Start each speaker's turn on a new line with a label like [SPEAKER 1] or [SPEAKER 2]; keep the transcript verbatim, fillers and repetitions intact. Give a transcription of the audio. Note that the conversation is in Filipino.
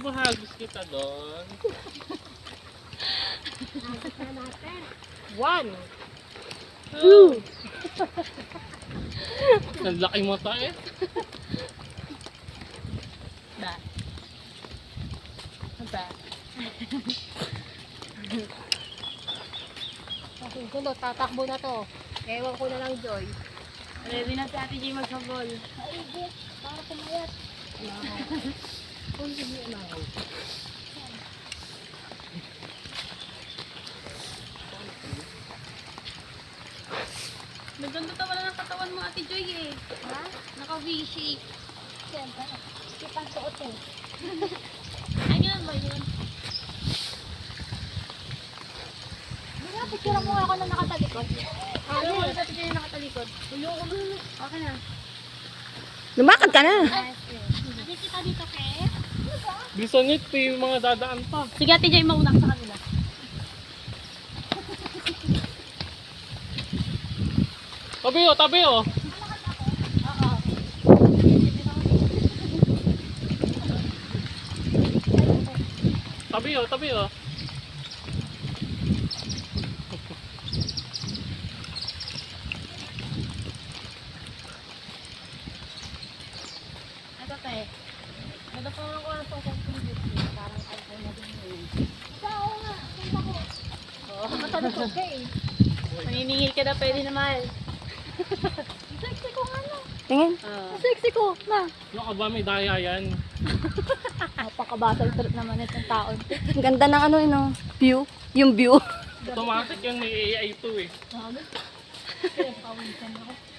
[SPEAKER 1] mahagis kita doon.
[SPEAKER 2] Agos na natin.
[SPEAKER 3] One.
[SPEAKER 1] Two. Ang laki mata eh.
[SPEAKER 3] Ba. Ba. Susunod, tatakbo na to. Ewan ko na lang, Joy.
[SPEAKER 2] Ready na si Ate G magsabol.
[SPEAKER 3] Ay, Jess, para kumayat. Kung hindi na ako.
[SPEAKER 2] Naganda tawa na ng katawan mo, Ate Joy eh.
[SPEAKER 3] Ha?
[SPEAKER 2] Naka-V-shape.
[SPEAKER 3] Siyempre, skip ang suot eh.
[SPEAKER 2] Ay, ganun ba yun?
[SPEAKER 3] Wala, picture mo ako na nakatalikod.
[SPEAKER 2] Ah, ano wala Ate Joy nakatalikod? Ulo ko na. Okay na.
[SPEAKER 4] Lumakad ka na.
[SPEAKER 2] Hindi kita dito, Ke.
[SPEAKER 1] Bilisan nyo, ito yung mga dadaan pa.
[SPEAKER 2] Sige, Ate Joy, mauna ka sa kanila.
[SPEAKER 1] Tabi oh, tabi oh.
[SPEAKER 2] Oo.
[SPEAKER 1] Tabi oh, tabi oh.
[SPEAKER 2] Ito, Ke. Ito pa ako ang social media. Parang iPhone na din yun.
[SPEAKER 3] Ikaw nga, punta ko.
[SPEAKER 2] Oo.
[SPEAKER 3] Matalikod ka eh.
[SPEAKER 2] Maniningil ka na, pwede naman.
[SPEAKER 3] Sexy ko nga no.
[SPEAKER 4] Tingin.
[SPEAKER 2] Oo.
[SPEAKER 3] Sexy ko, na.
[SPEAKER 1] Ano ka ba, may daya yan.
[SPEAKER 3] Napakabasal trip naman itong taon.
[SPEAKER 4] Ang ganda ng ano, ino, view. Yung view.
[SPEAKER 1] Automatic yan, may A I to eh.
[SPEAKER 3] Kaya pawisan ako.